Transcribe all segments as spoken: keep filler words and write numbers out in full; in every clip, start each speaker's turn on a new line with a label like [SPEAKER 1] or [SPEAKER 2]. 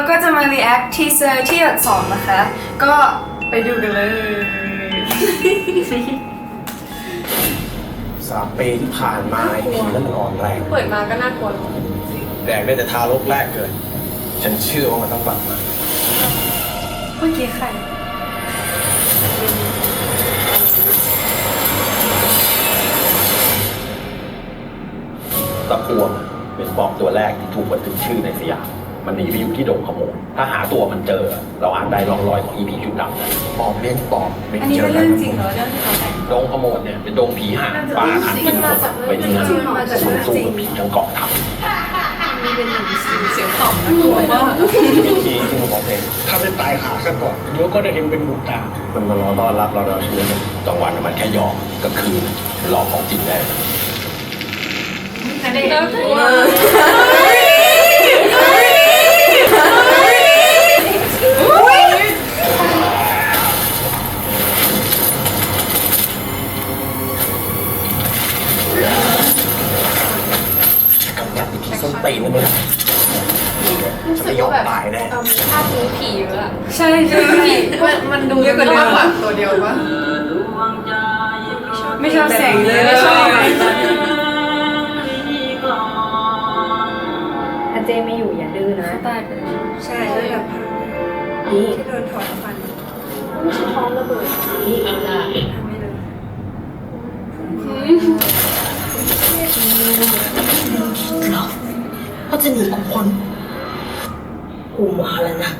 [SPEAKER 1] ก็จะมา react teaser ที่สองนะคะ ก็ไปดูกันเลย
[SPEAKER 2] สามปีที่ผ่านมาไอ้ผีนั้นมันอ่อนแรง
[SPEAKER 3] เปิดมาก็น่ากลัว
[SPEAKER 2] แดกได้แต่ทารกแรกเกิดฉันเชื่อว่ามันต้องกลับมา
[SPEAKER 1] เมื่อกี้ใคร
[SPEAKER 4] ตะพวงเป็นปอบตัวแรกที่ถูกบันทึกชื่อในสยามมันหนีไปอยู่ที่ดงขโมยถ้าหาตัวมันเจอ เราอาจได้ร่องรอยของอีผีชุดดำนะ
[SPEAKER 2] ปอบเลี้ยงปอบไม่
[SPEAKER 1] อันนี้
[SPEAKER 2] เจ
[SPEAKER 1] เป็
[SPEAKER 2] อน กั
[SPEAKER 1] เรื่
[SPEAKER 2] น
[SPEAKER 1] องจริงเหรอเรื่องที่เขาแต่ง
[SPEAKER 4] ดงขโมยเนี่ยเป็นดงผีห่าป่าขันกินคนไปที่นั่นสู้สู้กับผีทั้งเกาะทับ
[SPEAKER 3] มีเป็นหนังเสียงตอบน่ากลัวมาก
[SPEAKER 2] วิธีที่มึงของเพลง
[SPEAKER 5] ถ้าไม่ตายขาซะก่อนเดี๋ยวก็ได้เห็นเป็นบุญตา
[SPEAKER 2] มันมารอต้อนรับเราเราเชื่อมัน
[SPEAKER 4] กลางวันมันแค่หยอกกลางคืนหลอกของจริงได้
[SPEAKER 3] น่ากลัว
[SPEAKER 4] กำลังอีผีส้นตีนนะมึง
[SPEAKER 3] รู้สึกว่าแบบภาพนี้ผีเยอะอะ
[SPEAKER 1] ใช่ใช่
[SPEAKER 3] มันมันดูเยอะกว่าเดิมมากกว่าตัวเดียวปะ
[SPEAKER 1] ไม่ชอบแสงเลยไม่ชอบ
[SPEAKER 6] อาเจไม่อยู่อย่าดื้อนะ
[SPEAKER 1] ตายไปเลย
[SPEAKER 7] ใช่แล้วแบบ
[SPEAKER 6] นี่
[SPEAKER 7] ที่โดนถอดฟัน
[SPEAKER 6] ไม่ใช่ท้องระเบิดนี่
[SPEAKER 7] ทำไม่เลย
[SPEAKER 6] หรอเขาจะหนีกูพ้นกูมาแล้วนะ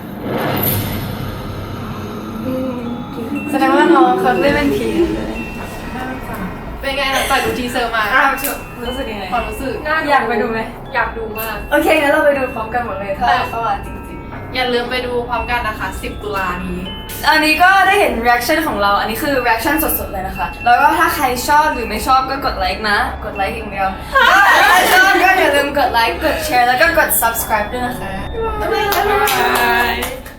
[SPEAKER 1] แสดงว่าน้องเขาเล่นเป็นผีเลย
[SPEAKER 3] เป็นไงหลังจากดูทีเซอร์มา
[SPEAKER 1] อ้าวรู้สึกยังไง
[SPEAKER 3] ความรู้สึก
[SPEAKER 1] อยากไปดูไหม
[SPEAKER 3] อยากดูมาก
[SPEAKER 1] โอเคงั้นเราไปดูพร้อมกันหมดเลยถ้าเขาอ่ะจริง
[SPEAKER 3] อย่าลืมไปดูพร้อมกันนะคะสิบตุลานี้
[SPEAKER 1] ๆอันนี้ก็ได้เห็น reaction ของเรา อันนี้คือ reaction สดๆเลยนะคะ แล้วก็ถ้าใครชอบหรือไม่ชอบก็กดไลค์นะ กดไลค์อย่างเดียวถ้าใครชอบก็อย่าลืมกดไลค์ กดแชร์ แล้วก็กด subscribe ด้วยนะคะ
[SPEAKER 3] บ๊ายบาย